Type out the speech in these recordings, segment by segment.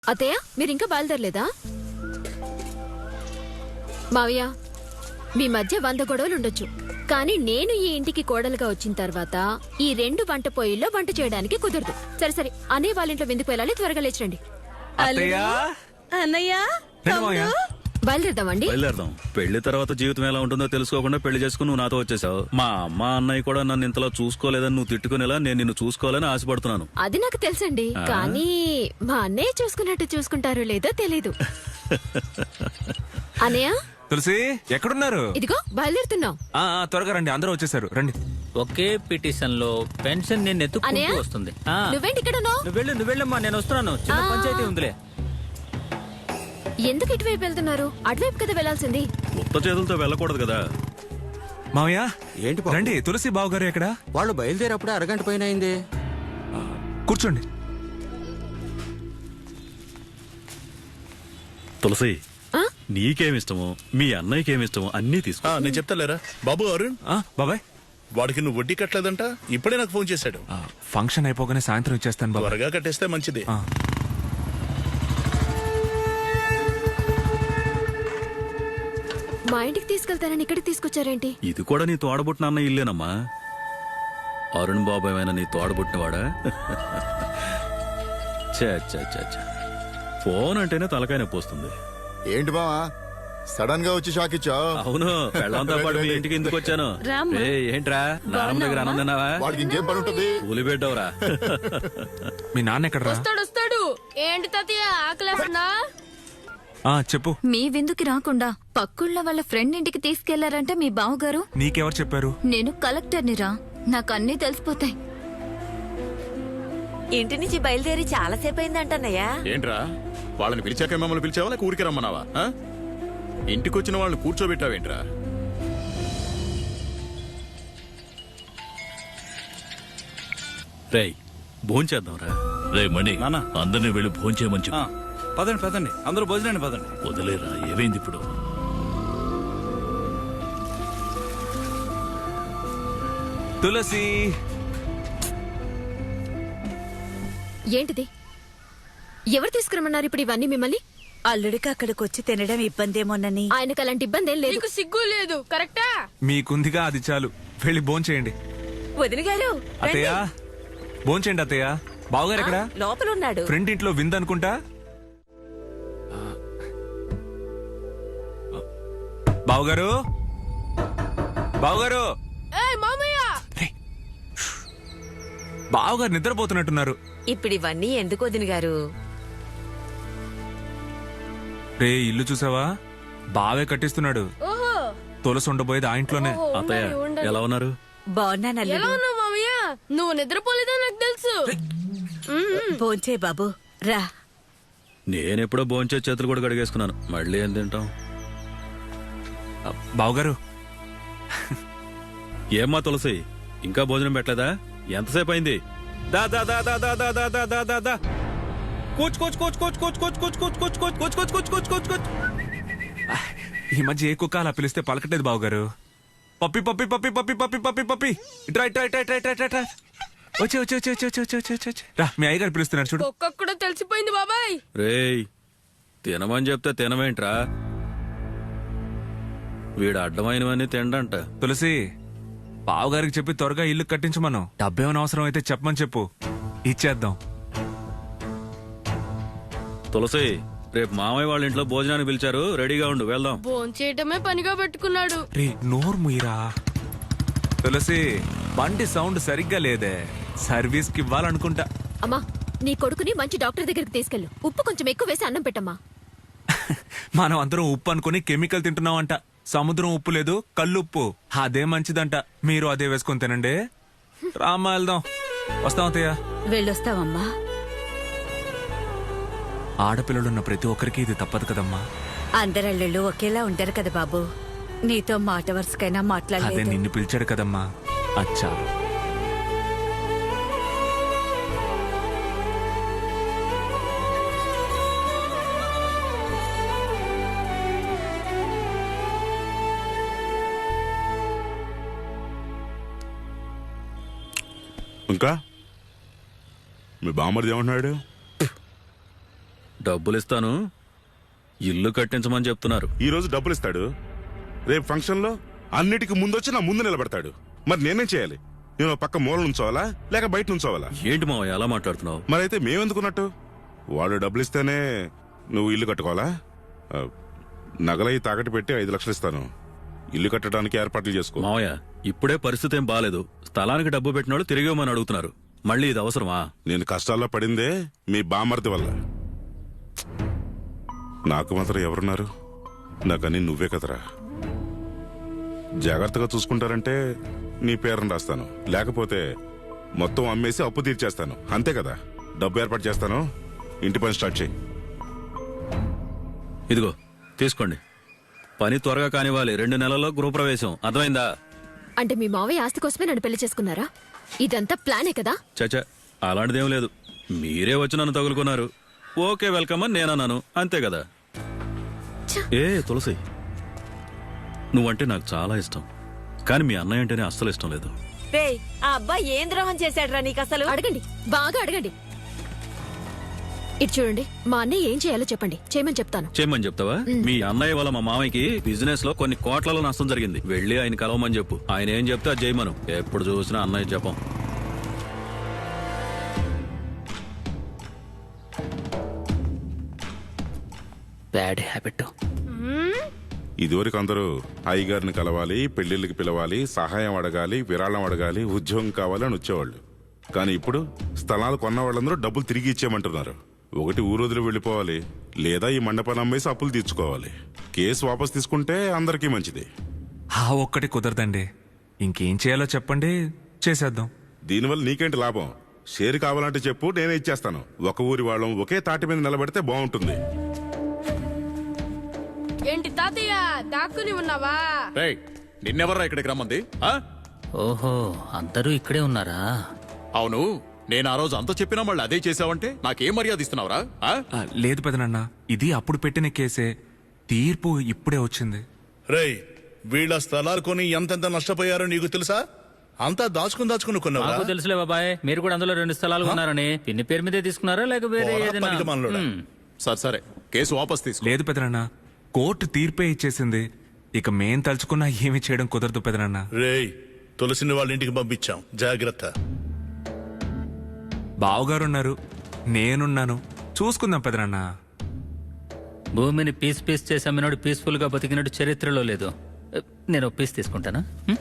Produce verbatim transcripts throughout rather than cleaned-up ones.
అత్తయ్య మీరింకా బయలుదేరలేదా? మావయ్య మీ మధ్య వంద గొడవలు ఉండొచ్చు, కానీ నేను ఈ ఇంటికి కోడలుగా వచ్చిన తర్వాత ఈ రెండు వంట పొయ్యిల్లో వంట చేయడానికి కుదరదు. సరే సరే అనే వాళ్ళ ఇంట్లో విందుకు వెళ్ళాలి, త్వరగా లేచండి. బయలుదేరదామండి. బయలుదేరదాం. పెళ్లి తర్వాత జీవితం ఎలా ఉంటుందో తెలుసుకోకుండా పెళ్లి చేసుకుని నువ్వు నాతో వచ్చేసావు. మా అమ్మ అన్నయ్య కూడా నన్ను ఇంతలా చూసుకోలేదని నువ్వు తిట్టుకునేలా నేను నిన్ను చూసుకోవాలని ఆశపడుతున్నాను. అది నాకు తెలుసండి, కానీ మా అన్నయ్య చూసుకున్నట్టు చూసుకుంటారో లేదో తెలీదు. అన్నయ్య తులసి ఎక్కడున్నారు? ఇదిగో బయలుదేరుతున్నాం. ఆ, ఆ, త్వరగా రండి, అందరూ వచ్చేసారు, రండి. ఒకే పిటిషన్ లో పెన్షన్ నేను ఎత్తుకుంటూ వస్తుంది. ఆ, నువ్వేంటి ఇక్కడ ఉన్నావ్? నువ్వు వెళ్ళు నువ్వు వెళ్ళమ్మా, నేను వస్తున్నాను. చిన్న ఆ. పంచాయతీ ఉందిలే. ఎందుకు ఇటువైపు వెళ్తున్నారు? అటువైపు కదా వెళ్లాల్సింది. ఉత్త చేతులతో వెళ్ళకూడదు కదా. మావయ్య ఏంటి బాబు? రండి. తులసి బావగారు ఎక్కడ? వాళ్ళు బయలుదేరప్పుడు అరగంట పైన అయింది. కూర్చోండి. తులసి ఆ? నీకేమిష్టమో మీ అన్నయ్యకేమిష్టమో అన్నీ తీసుకో. ఆ, నేను చెప్తాలేరా బాబు అరుణ్, ఆ, బాబాయ్ వాడికి నువ్వు వడ్డీ కట్టలేదంట. ఇప్పుడే నాకు ఫోన్ చేశాడు. ఆ, ఫంక్షన్ అయిపోగానే సాయంత్రం ఇచ్చేస్తాను బాబాయ్. త్వరగా కట్టేస్తే మంచిది. ఆ. మా ఇంటికి తీసుకెళ్తానని ఇక్కడికి తీసుకొచ్చారేంటి? ఇది కూడా నీ తోడబుట్టిన అన్న ఇల్లేనమ్మా. అరుణ్ బాబు ఏమైనా నీ తోడబుట్టినవాడా? చే చే చే చే. ఫోన్ అంటేనే తలకాయ నొప్పి వస్తుంది. ఏంటి బావా సడన్ గా వచ్చి షాక్ ఇచ్చావు? అవును, పెళ్ళంతో పాటు మీ ఇంటికి ఎందుకు వచ్చాను? ఏయ్, ఏంట్రా నాన్నమ్మ దగ్గర అన్నం తిన్నావా? వాడికి ఇంకేం పని ఉంటది? కూలి పెట్టవరా? మీ నాన్న ఎక్కడరా? వస్తాడు. ఏంటి తాతయ్య ఆకలేస్తున్నా? ఆ, చెప్పు. మీ విందుకి రాకుండా పక్కుళ్ళ వాళ్ళ ఫ్రెండ్ ఇంటికి తీసుకెళ్లారంటే మీ బావగారు. నీకెవరు చెప్పారు? నేను కలెక్టర్ని రా, నాకు అన్నీ తెలిసిపోతాయి. ఇంటి నుంచి బయలుదేరి చాలా సేపు అయిందంటన్నయ్యా. ఏంట్రా వాళ్ళని పిలిచాక మమ్మల్ని పిలిచావా లేక ఊరికి రమ్మన్నావా? ఆ? ఇంటికొచ్చిన వాళ్ళని కూర్చోబెట్టావేంట్రా? రేయ్, భోంచేద్దాంరా. రే మణి, నాన్న. అందరినీ వెళ్ళి భోంచేయమని చెప్పు. పదండి పదండి, అందరూ భోజనాన్ని పదండి. వదిలేరా, ఏమైంది ఇప్పుడు? తులసి ఏంటిది? ఎవరు తీసుకురమ్మన్నారు ఇప్పుడు ఇవన్నీ మిమ్మల్ని? అల్లుడికి అక్కడికి వచ్చి తినడం ఇబ్బందేమోనని. ఆయనకు అలాంటి ఇబ్బంది ఏం లేదు. నీకు సిగ్గు లేదు, కరెక్టా? మీకుందిగా, అది చాలు. వెళ్ళి భోంచేయండి. వదిన గారు అత్తయ్య భోంచేయండి. అత్తయ్య బావగారు ఎక్కడ? లోపల ఉన్నాడు. ఫ్రెండ్ ఇంట్లో విందనుకుంటా. బావగారు, బావగారు, ఏయ్ మామయ్య, బావగారు నిద్రపోతున్నట్టున్నారు. ఇప్పుడు ఇవన్నీ ఎందుకు వదిన గారు? రే, ఇల్లు చూసావా? బావే కట్టిస్తున్నాడు. ఓహో తులసి ఉండబోయేది ఆ ఇంట్లోనే. ఓహో, అత్తయ్య ఉండండి, ఉండండి. ఎలా ఉన్నారు? బాగున్నాను ఎలా అల్లుడు. ఉన్నావు మామయ్య? నువ్వు నిద్రపోలేదా నాకు తెలుసు. భోంచే బాబు రా. నేనెప్పుడో భోంచే చేతులు కూడా కడిగేసుకున్నాను. మళ్ళీ ఏం తింటాం? బావగారు, ఏమ్మా తులసి, ఇంకా భోజనం పెట్టలేదా? ఎంతసేపు అయింది? దా దా దా దా దా దా దా దా దా దా దా. కూచ్ కూచ్ కూచ్ కూచ్ కూచ్ కూచ్ కూచ్ కూచ్ కూచ్ కూచ్ కూచ్ కూచ్ కూచ్ కూచ్ కూచ్ కూచ్. ఈ మధ్య ఏ కుక్క అలా పిలిస్తే పలకట్లేదు బావగారు. పప్పి పప్పి పప్పి పప్పి పప్పి పప్పి పప్పి ఇట్రా ఇట్రా ఇట్రా ఇట్రా ఇట్రా ఇట్రా. వచ్చి వచ్చి వచ్చి వచ్చి వచ్చి వచ్చి వచ్చి వచ్చి రా, మీ అయ్యగారు పిలుస్తున్నారు చూడు. ఒక్కొక్క కూడా తెలిసిపోయింది బాబాయ్. రేయ్, తినమని చెప్తే తినవేంట్రా? వీడు అడ్డమైనవన్నీ తిండంట. తులసి, బావగారికి చెప్పి త్వరగా ఇల్లు కట్టించమను. డబ్బేమైనా అవసరం అయితే చెప్పమని చెప్పు, ఇచ్చేద్దాం. తులసి, రేపు మామయ్య వాళ్ళ ఇంట్లో భోజనానికి పిలిచారు, రెడీగా ఉండు, వెళ్దాం. భోంచేయటమే పనిగా పెట్టుకున్నాడు. రే, నోరు ముయిరా. తులసి, బండి సౌండ్ సరిగ్గా లేదే, సర్వీస్ కి ఇవ్వాలనుకుంటా. అమ్మా, నీ కొడుకుని మంచి డాక్టర్ దగ్గరికి తీసుకెళ్ళు. ఉప్పు కొంచెం ఎక్కువ వేసి అన్నం పెట్టమ్మా. మనం అందరం ఉప్పు అనుకుని కెమికల్ తింటున్నామంట. సముద్రం ఉప్పు లేదు, కల్లుప్పు. అదే మంచిదంట. మీరు అదే వేసుకొని తినండి. రామ్మా, వెళ్దాం. వస్తాం అత్తయ్య. వెళ్ళొస్తావమ్మా. ఆడపిల్లలున్న ప్రతి ఒక్కరికి ఇది తప్పదు కదమ్మా. అందరల్లుళ్ళు ఒకేలా ఉంటారు కదా బాబు. నీతో మాట వరుసకైనా అదే మాట్లాడలేదు. నిన్ను పిలిచాడు కదమ్మా. అచ్చా. ఇంకా మీ బామ్మర్ది ఏమంటున్నాడు? డబ్బులు ఇస్తాను, ఇల్లు కట్టించమని చెప్తున్నారు. ఈ రోజు డబ్బులు ఇస్తాడు, రేపు ఫంక్షన్ లో అన్నిటికీ ముందొచ్చి నా ముందు నిలబడతాడు. మరి నేనేం చేయాలి? నేను పక్క మూల నుంచోవాలా లేక బయట నుంచోవాలా? ఏంటి మావయ్య అలా మాట్లాడుతున్నావు? మరైతే మేమెందుకున్నట్టు? వాడు డబ్బులు ఇస్తేనే నువ్వు ఇల్లు కట్టుకోవాలా? ఆ, నగలై తాకట్టు పెట్టి ఐదు లక్షలు ఇస్తాను, ఇల్లు కట్టడానికి ఏర్పాట్లు చేసుకో. మావయ్య ఇప్పుడే పరిస్థితి ఏం బాలేదు. స్థలానికి డబ్బు పెట్టిన వాళ్ళు తిరిగి ఇవ్వమని అడుగుతున్నారు. మళ్ళీ ఇది అవసరమా? నేను కష్టాల్లో పడిందే మీ బామర్ది వల్ల. నాకు మాత్రం ఎవరున్నారు? నాకని నువ్వే కదరా. జాగ్రత్తగా చూసుకుంటారంటే నీ పేరును రాస్తాను, లేకపోతే మొత్తం అమ్మేసి అప్పు తీర్చేస్తాను. అంతే కదా. డబ్బు ఏర్పాటు చేస్తాను, ఇంటి పని స్టార్ట్ చేయి. ఇదిగో తీసుకోండి. పని త్వరగా కానివ్వాలి. రెండు నెలల్లో గృహప్రవేశం, అర్థమైందా? అంటే మీ మావయ్య ఆస్తి కోసమే నన్ను పెళ్లి చేసుకున్నారా? ఇదంతా ప్లానే కదా? చచ్చా, అలాంటిదేం లేదు. మీరే వచ్చి నన్ను తగులుకున్నారు. ఓకే వెల్కమ్ అని నేనన్నాను, అంతే కదా. ఏ తులసి, నువ్వంటే నాకు చాలా ఇష్టం, కానీ మీ అన్నయ్య అంటేనే అస్సలు ఇష్టం లేదు. ఆ అబ్బాయి ఏం ద్రోహం చేశాడ్రా నీకు అసలు? అడగండి, బాగా అడగండి. ఇటు చూడండి, మా అన్నయ్య ఏం చేయాలో చెప్పండి, చేయమని చెప్తాను. చేయమని చెప్తావా? మీ అన్నయ్య వల్ల మా మామయ్యకి బిజినెస్ లో కొన్ని కోట్లలో నష్టం జరిగింది. వెళ్ళి ఆయన కలవమని చెప్పు. ఆయన ఏం చెప్తే అది చేయమను. ఎప్పుడు చూసినా అన్నయ్య చెప్పం. Bad habit. ఇదివరకు అందరూ అయ్యగారిని కలవాలి, పెళ్లిళ్ళకి పిలవాలి, సహాయం అడగాలి, విరాళం అడగాలి, ఉద్యోగం కావాలి అని వచ్చేవాళ్ళు. కానీ ఇప్పుడు స్థలాలు కొన్న వాళ్ళందరూ డబ్బులు తిరిగి ఇచ్చేయమంటున్నారు. ఒకటి ఊరోజులు వెళ్ళిపోవాలి, లేదా ఈ మండపాన్ని అమ్మేసి అప్పులు తీర్చుకోవాలి. కేసు వాపస్ తీసుకుంటే అందరికీ మంచిది. ఆ ఒక్కటి కుదరదండి. ఇంకేం చేయాలో చెప్పండి, చేసేద్దాం. దీనివల్ల నీకేంటి లాభం? షేర్ కావాలంటే చెప్పు, నేనే ఇచ్చేస్తాను. ఒక ఊరి వాళ్ళం ఒకే తాటి మీద నిలబడితే బాగుంటుంది. ఏంటి తాతయ్య దాక్కుని ఉన్నావా? రేయ్, నిన్నెవర్రా ఇక్కడికి రమ్మంది? ఆ? ఓహో, అందరూ ఇక్కడే ఉన్నారా? అవును, నేను ఆ రోజు అంత చెప్పినా మళ్ళీ అదే చేసావంటే నాకేం మర్యాద ఇస్తున్నావురా? ఆ? ఆ, లేదు పెదనన్న, ఇది అప్పుడు పెట్టిన కేసే. తీర్పు ఇప్పుడే వచ్చింది. రేయ్, వీళ్ళ స్థలాలు కొని ఎంతెంత నష్టపోయారో నీకు తెలుసా? అంతా దాచుకుని దాచుకుని కొన్నావా? నాకు తెలుసులే బాబాయ్, మీరు కూడా అందులో రెండు స్థలాలు ఉన్నారని. పిన్ని పేరు మీదే తీసుకున్నారా లేక వేరే పోరా, ఏదైనా? పనికిమాలినోడా. హ్మ్. సరే సరే, కేసు వాపస్ తీసుకో. లేదు పెదనన్న, కోర్టు తీర్పే ఇచ్చేసింది. ఇక మేం తలుచుకున్నా ఏమి చేయడం కుదరదు పెదనన్న. రేయ్, తులసిని వాళ్ళ ఇంటికి పంపించాం, జాగ్రత్త. బావగారున్నారు, నేనున్నాను, చూసుకుందాం పెదనన్న. భూమిని పీస్ పీస్ చేసి అమ్మినోడు పీస్ఫుల్ గా బతికినట్టు చరిత్రలో లేదు. నేను ఒక పీస్ తీసుకుంటానా? హ్మ్?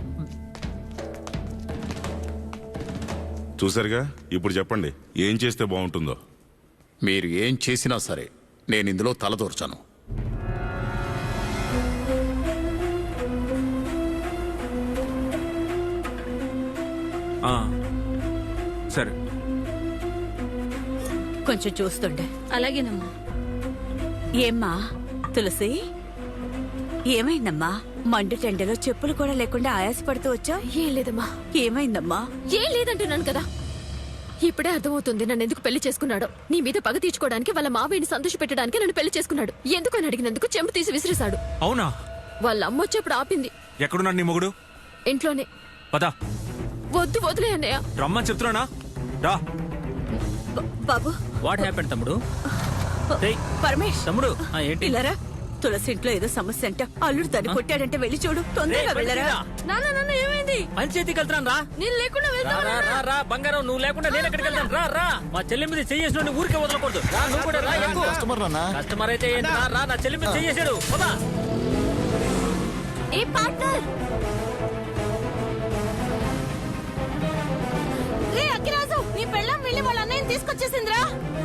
చూసారుగా, ఇప్పుడు చెప్పండి ఏం చేస్తే బాగుంటుందో. మీరు ఏం చేసినా సరే నేను ఇందులో తలదూర్చాను. ఆ, సరే. కొంచెం చూస్తుండే. అలాగేనమ్మా. ఏమ్మా తులసి, ఏమైందమ్మా? మండు టెండలో చెప్పులు కూడా లేకుండా ఆయాసపడుతూ వచ్చా? ఏం లేదమ్మా. ఏమైందమ్మా? ఏం లేదంటున్నాను కదా. ఇప్పుడే అర్థమవుతుంది నన్ను ఎందుకు పెళ్లి చేసుకున్నాడో. నీ మీద పగ తీర్చుకోవడానికి, వాళ్ళ మావయ్యని సంతోష పెట్టడానికి నన్ను పెళ్లి చేసుకున్నాడు. ఎందుకు అని అడిగినందుకు చెంపు తీసి విసిరేశాడు. అవునా? వాళ్ళ అమ్మ వచ్చేప్పుడు ఆపింది. ఎక్కడున్నాడు నీ మొగుడు? ఇంట్లోనే. పదా, వద్దు వదిలే అన్నయ్య. రమ్మని చెప్తున్నానా? రా. బ- బాబు వాట్ హ్యాపెండ్ తమ్ముడు? ఏయ్, పరమేష్, తమ్ముడు, ఆ, ఏంటి? ఇలారా. తులసి ఇంట్లో ఏదో సమస్య అంట. అల్లుడు తను కొట్టాడంటే వెళ్ళి చూడు, తొందరగా ఏయ్, వెళ్ళరా. నాన్న నాన్న ఏమైంది? పంచాయతీకి వెళ్తాను రా. నేను లేకుండా రా, వెళ్తావా రా, రా, రా, బంగారం, నువ్వు లేకుండా నేను ఎక్కడికి వెళ్తాను? రా, రా. మా చెల్లి మీద చెయ్యేసిన ఊరికే వదలకూడదు. రా, నువ్వు కూడా రా. ఎక్కు. కస్టమర్ నాన్న. కస్టమర్ అయితే ఏంటి? రా, రా, నా చెల్లి మీద చెయ్యేసాడు. పదా. A partner? రే అక్కిరాజు, నీ పెళ్ళం వెళ్ళి వాళ్ళ అన్నయ్యని తీసుకొచ్చేసిందిరా.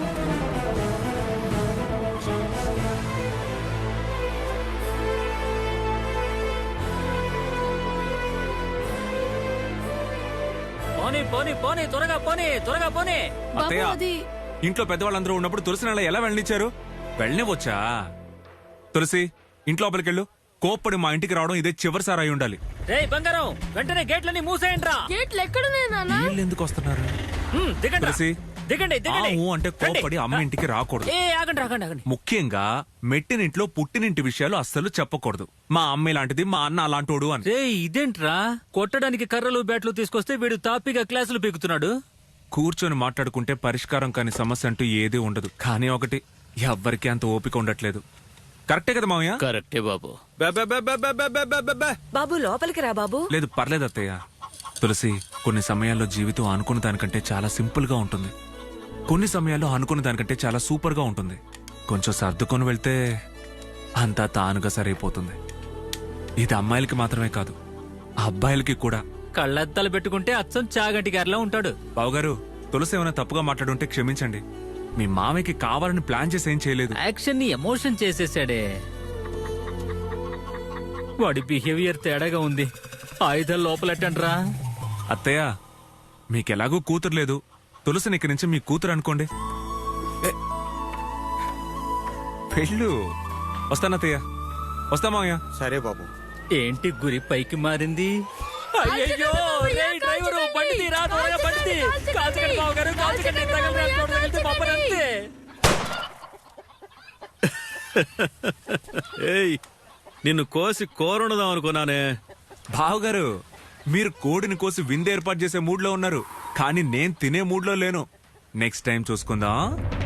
పోనీ పోనీ పోనీ, త్వరగా పోనీ, త్వరగా పోనీ. అత్తయ్య, ఇంట్లో పెద్దవాళ్ళందరూ ఉన్నప్పుడు తులసి నెల ఎలా వెళ్ళనిచ్చారు? వెళ్ళనివచ్చా? తులసి, ఇంట్లో లోపలికెళ్ళు. కోప్పడి మా ఇంటికి రావడం ఇదే చివరిసారి అయి ఉండాలి. రేయ్ బంగారం, వెంటనే గేట్లన్నీ మూసేయండి రా. గేట్లు ఎక్కడున్నాయి నాన్న? వీళ్ళు ఎందుకు వస్తున్నారు? హ్మ్, దిగండి రా. తులసి, దిగండి దిగండి. ఆవు అంటే కోప్పడి అమ్మ ఇంటికి రాకూడదు. ఏ ఆగండి ఆగండి ఆగండి. ముఖ్యంగా మెట్టినింట్లో పుట్టినింటి విషయాలు అస్సలు చెప్పకూడదు. మా అమ్మ ఇలాంటిది, మా అన్న అలాంటోడు అని. రే ఇదేంట్రా, కొట్టడానికి కర్రలు బ్యాట్లు తీసుకొస్తే వీడు తాపిగా క్లాసులు పీకుతున్నాడు. కూర్చొని మాట్లాడుకుంటే పరిష్కారం కాని సమస్య అంటూ ఏదీ ఉండదు. కానీ ఒకటి, ఎవ్వరికి అంత ఓపిక ఉండట్లేదు. కరెక్టే కదా మావయ్య? కరెక్టే బాబు. బే, బే, బే, బే, బే, బే, బే, బే, బే, బే. బాబు లోపలికి రా బాబు. లేదు పర్లేదు అత్తయ్య. తులసి, కొన్ని సమయాల్లో జీవితం అనుకున్న దానికంటే చాలా సింపుల్ గా ఉంటుంది. కొన్ని సమయాల్లో అనుకున్న దానికంటే చాలా సూపర్ గా ఉంటుంది. కొంచెం సర్దుకొని వెళ్తే అంతా తానుగా సరైపోతుంది. ఇది అమ్మాయిలకి మాత్రమే కాదు, అబ్బాయిలకి కూడా. కళ్ళద్దాలు పెట్టుకుంటే అచ్చం చాగంటి గారిలా ఉంటాడు. బావగారు, తులసి ఏమైనా తప్పుగా మాట్లాడుంటే క్షమించండి. మీ మామయ్యకి కావాలని ప్లాన్ చేసి ఏం చేయలేదు. యాక్షన్ ని ఎమోషన్ చేసేసాడే. వాడి బిహేవియర్ తేడాగా ఉంది. ఆయుధాలు లోపలెట్టండ్రా. అత్తయ్య, మీకెలాగూ కూతురు లేదు, తులసిని ఇక్కడి నుంచి మీ కూతురు అనుకోండి. ఏ, వెళ్ళు. వస్తానత్తయ్య. వస్తా మావయ్య. సరే బాబు. ఏంటి గురి పైకి మారింది? అయ్యయ్యో, రేయ్ డ్రైవరు, బండి తీరా, త్వరగా బండి తీ. కాల్చకండి బావగారు, కాల్చకండి. తగలరా, తగలితే పంపనంతే. ఏయ్, నిన్ను కోసి కోరుండదాం అనుకున్నానే. బావగారు, మీరు కోడిని కోసి విందు ఏర్పాటు చేసే మూడ్ లో ఉన్నారు, కానీ నేను తినే మూడ్ లో లేను. నెక్స్ట్ టైం చూసుకుందాం.